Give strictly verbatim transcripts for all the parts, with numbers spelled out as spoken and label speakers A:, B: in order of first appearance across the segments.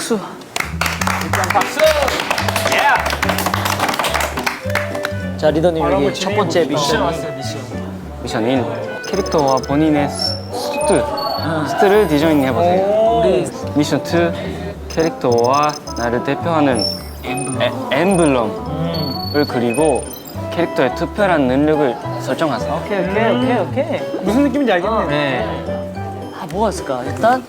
A: 박수. 일단 박수. 예. 자 리더님 여기 첫 번째 미션 왔어요. 미션.
B: 미션 일. 캐릭터와 본인의 수트, 수트를 디자인해 보세요.
A: 우리
B: 미션 이. 캐릭터와 나를 대표하는 에, 엠블럼을 그리고 캐릭터의 특별한 능력을 설정하세요.
A: 오케이 오케이 오케이 오케이.
C: 무슨 느낌인지 알겠네.
A: 네. 아 뭐가 있을까? 일단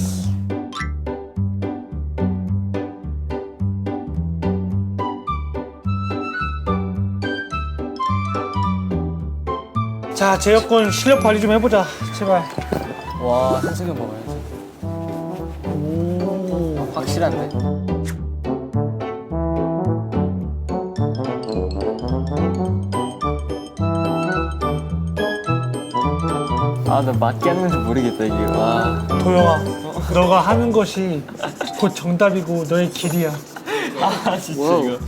C: 자, 제여권 실력 발휘 좀 해보자. 제발.
A: 와 한승현 먹어야지. 오 확실한데. 아 나 맞게 하는 건지 모르겠다 이게. 와.
C: 도영아, 너가 하는 것이 곧 정답이고 너의 길이야.
A: 아 진짜 이거.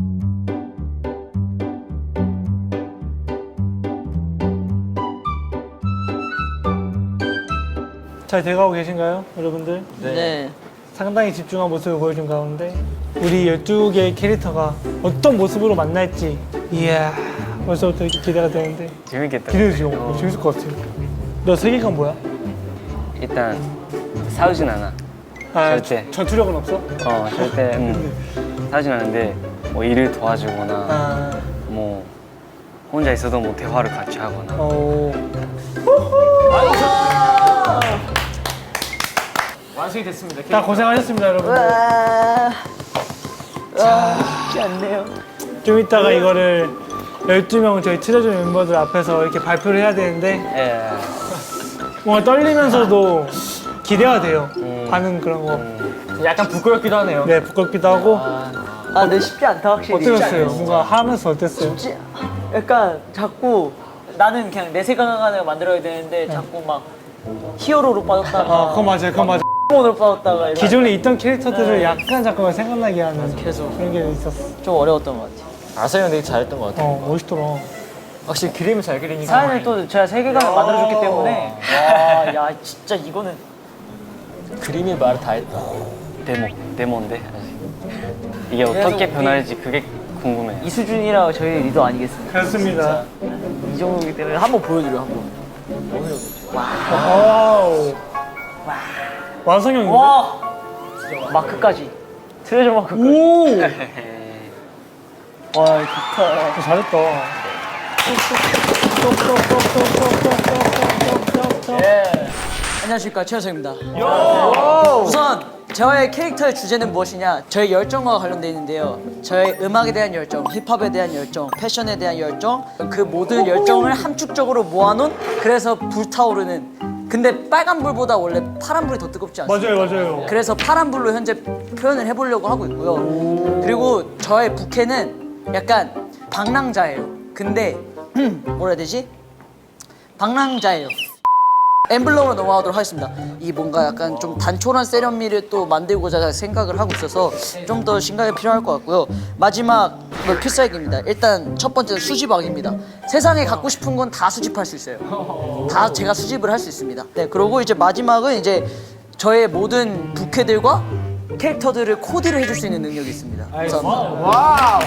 C: 잘 돼가고 계신가요, 여러분들?
A: 네.
C: 상당히 집중한 모습을 보여준 가운데 우리 열두 개의 캐릭터가 어떤 모습으로 만날지 이야 벌써부터 이렇게 기대가 되는데
B: 재밌겠다.
C: 기대되죠? 어. 재밌을 것 같아요. 너 세계관 뭐야?
B: 일단 싸우진 않아.
C: 아,
B: 절대.
C: 전투력은 없어?
B: 어, 절대 음, 싸우진 않는데 뭐 일을 도와주거나
C: 아,
B: 뭐 혼자 있어도 뭐 대화를 같이 하거나.
C: 어...
A: 완성이 됐습니다.
C: 다 고생하셨습니다, 여러분들.
A: 와. 자, 쉽지 않네요.
C: 좀 이따가 이거를 열두 명 저희 트레저 멤버들 앞에서 이렇게 발표를 해야 되는데
B: 예.
C: 뭔가 떨리면서도 기대가 돼요.
B: 음.
C: 반응 그런 거.
B: 음.
A: 약간 부끄럽기도 하네요.
C: 네, 부끄럽기도 하고.
A: 아, 네 쉽지 않다 확실히.
C: 어떠셨어요? 뭔가 하면서 어땠어요?
A: 쉽지. 약간 자꾸 나는 그냥 내 생각을 만들어야 되는데 자꾸 막 히어로로 빠졌다가.
C: 아, 그거 맞아요, 그거 맞아요.
A: 으로 빠졌다가. 이런.
C: 기존에 있던 캐릭터들을 약간 잠깐만 생각나게 하는
A: 계속.
C: 그런 게 있었어.
A: 좀 어려웠던 것 같아요. 아서 형 되게 잘했던 것 같아요.
C: 어, 멋있더라.
A: 확실히 그림을 잘 그리니까. 사연을 또 제가 세계관을 만들어줬기 때문에. 와, 야 진짜 이거는 그림이 말을 다 했다.
B: 데모, 데모인데 아직. 이게 어떻게 변할지 그게 궁금해요.
A: 이 수준이라 저희 리더 아니겠습니까?
C: 그렇습니다.
A: 이 정도이기 때문에 한번 보여드려 한번.
C: 와우. 완성형인데?
A: 와 마크까지 트레저 마크까지.
C: 오!
A: 와 좋다.
C: 잘했다.
A: 예. 안녕하십니까 최현석입니다. 우선 저의 캐릭터의 주제는 무엇이냐? 저의 열정과 관련되어 있는데요. 저의 음악에 대한 열정, 힙합에 대한 열정, 패션에 대한 열정, 그 모든 열정을 함축적으로 모아놓은 그래서 불타오르는. 근데 빨간 불보다 원래 파란 불이 더 뜨겁지 않습니까?
C: 맞아요, 맞아요.
A: 그래서 파란 불로 현재 표현을 해보려고 하고 있고요. 그리고 저의 부캐는 약간 방랑자예요. 근데 뭐라 해야 되지? 방랑자예요. 엠블럼으로 넘어가도록 하겠습니다. 이 뭔가 약간 좀 단촐한 세련미를 또 만들고자 생각을 하고 있어서 좀 더 심각이 필요할 것 같고요. 마지막 뭐 필살기입니다. 일단 첫 번째는 수집왕입니다. 세상에 갖고 싶은 건 다 수집할 수 있어요. 다 제가 수집을 할 수 있습니다. 네, 그리고 이제 마지막은 이제 저의 모든 부캐들과 캐릭터들을 코디를 해줄 수 있는 능력이 있습니다. 감사합니다.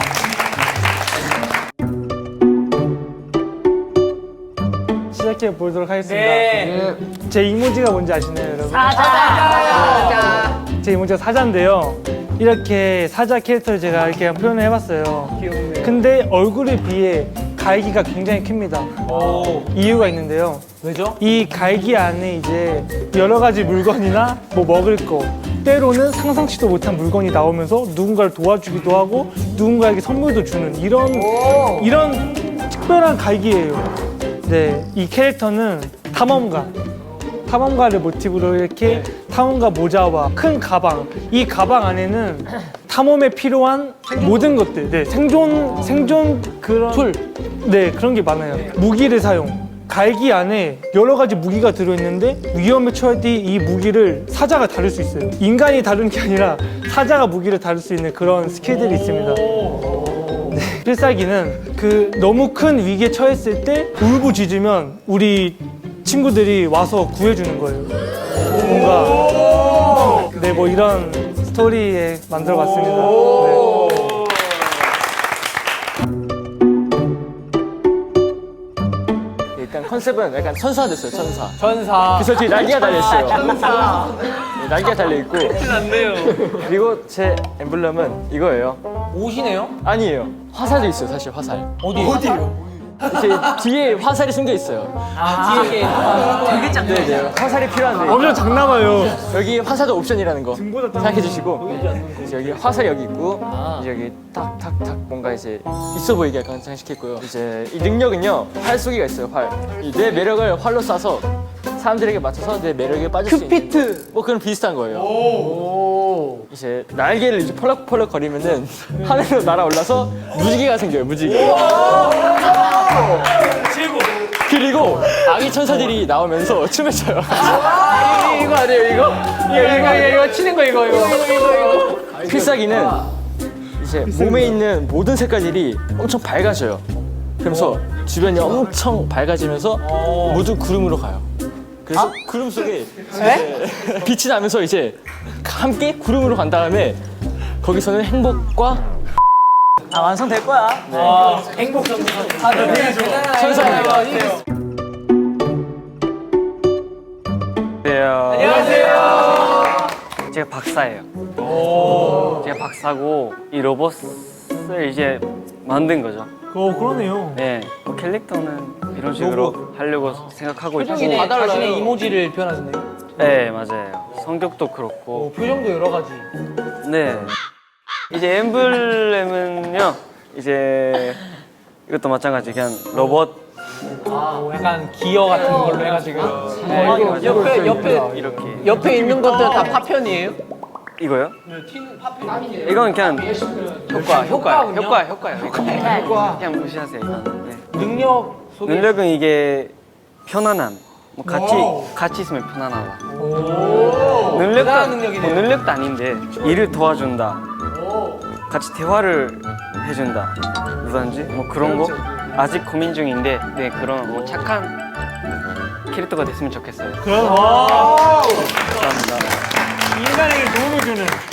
C: 시작해 보도록 하겠습니다.
A: 네.
C: 제 이모지가 뭔지 아시나요, 여러분?
A: 사자.
C: 제 이모지가 사자인데요. 이렇게 사자 캐릭터를 제가 이렇게 표현을 해봤어요. 귀엽네요. 근데 얼굴에 비해 갈기가 굉장히 큽니다. 이유가 있는데요.
A: 왜죠?
C: 이 갈기 안에 이제 여러 가지 물건이나 뭐 먹을 거, 때로는 상상치도 못한 물건이 나오면서 누군가를 도와주기도 하고 누군가에게 선물도 주는 이런 이런 특별한 갈기예요. 네, 이 캐릭터는 탐험가. 탐험가를 모티브로 이렇게 탐험가 모자와 큰 가방. 이 가방 안에는 탐험에 필요한 모든 것들. 네, 생존 생존 그런 툴. 네, 그런 게 많아요. 무기를 사용. 갈기 안에 여러 가지 무기가 들어있는데 위험에 처할 때 이 무기를 사자가 다룰 수 있어요. 인간이 다루는 게 아니라 사자가 무기를 다룰 수 있는 그런 스킬들이 있습니다. 네, 필살기는 그 너무 큰 위기에 처했을 때 울부짖으면 우리 친구들이 와서 구해주는 거예요. 뭔가 네, 뭐 이런 스토리에 만들어봤습니다. 네.
D: 일단 컨셉은 약간 천사 됐어요, 천사.
C: 전사.
D: 그래서 뒤에 날개가 달려있어요. 천사. 네, 날개가 달려있고.
B: 안돼요.
D: 그리고 제 엠블럼은 이거예요.
C: 옷이네요?
D: 아니에요. 화살도 있어요, 사실 화살.
C: 어디? 어디요?
D: 이렇게 뒤에 화살이 숨겨 있어요.
C: 아, 뒤에.
A: 되게 짱.
D: 네네. 화살이 필요한데.
C: 엄청 장난아요.
D: 여기 화살도 옵션이라는 거
C: 등보다
D: 생각해 주시고 이제 여기 화살이 여기 있고 이제 여기 탁탁탁 뭔가 이제 있어 보이게 약간 장식했고요. 이제 이 능력은요 활 쏘기가 있어요. 활. 이 내 매력을 활로 쏴서 사람들에게 맞춰서 내 매력에 빠질 수 있는.
C: 큐피트.
D: 뭐 그런 비슷한 거예요. 이제 날개를 이제 펄럭펄럭 거리면은 하늘로 날아올라서 무지개가 생겨요. 무지개. 그리고 아기 천사들이 나오면서 춤을 춰요.
C: 이거 아니에요, 이거? 이거, 이거, 이거, 이거 치는 거, 이거, 이거.
D: 필살기는 이제 몸에 있는 모든 색깔들이 엄청 밝아져요. 그러면서 주변이 엄청 밝아지면서 모두 구름으로 가요. 그래서 구름 속에 이제 빛이 나면서 이제 함께 구름으로 간 다음에 거기서는 행복과
A: 아 완성될 거야.
C: 행복 전사.
D: 천사예요.
B: 안녕하세요. 제가 박사예요. 제가 박사고 이 로봇을 이제 만든 거죠.
C: 어, 그러네요.
B: 네, 뭐 캐릭터는 이런 식으로 하려고 생각하고 있고.
C: 자신의 이모지를 표현하셨네요.
B: 네, 맞아요. 성격도 그렇고.
C: 표정도 여러 가지.
B: 네. 이제 엠블렘은요. 이제 이것도 마찬가지 그냥 로봇.
C: 아, 약간 기어 같은 걸로 해가지고.
B: 네,
C: 이거 옆에, 옆에,
B: 이렇게.
C: 옆에 있는 것들 다 파편이에요?
B: 이거요?
C: 튀는 파편.
B: 이건 그냥 효과, 효과, 효과, 효과요. 효과. 그냥 무시하세요. 이거는. 네.
C: 능력 소개.
B: 능력은 이게 편안함. 뭐 같이 같이 있으면 편안하다. 능력도
C: 대단한 능력이네요.
B: 뭐 능력도 아닌데 일을 도와준다. 같이 대화를 해준다. 누구든지 뭐 그런 거 아직 고민 중인데 네 그런 뭐 착한 캐릭터가 됐으면 좋겠어요.
C: 그럼, 와.
B: 감사합니다.
C: 인간에게 도움을 주는.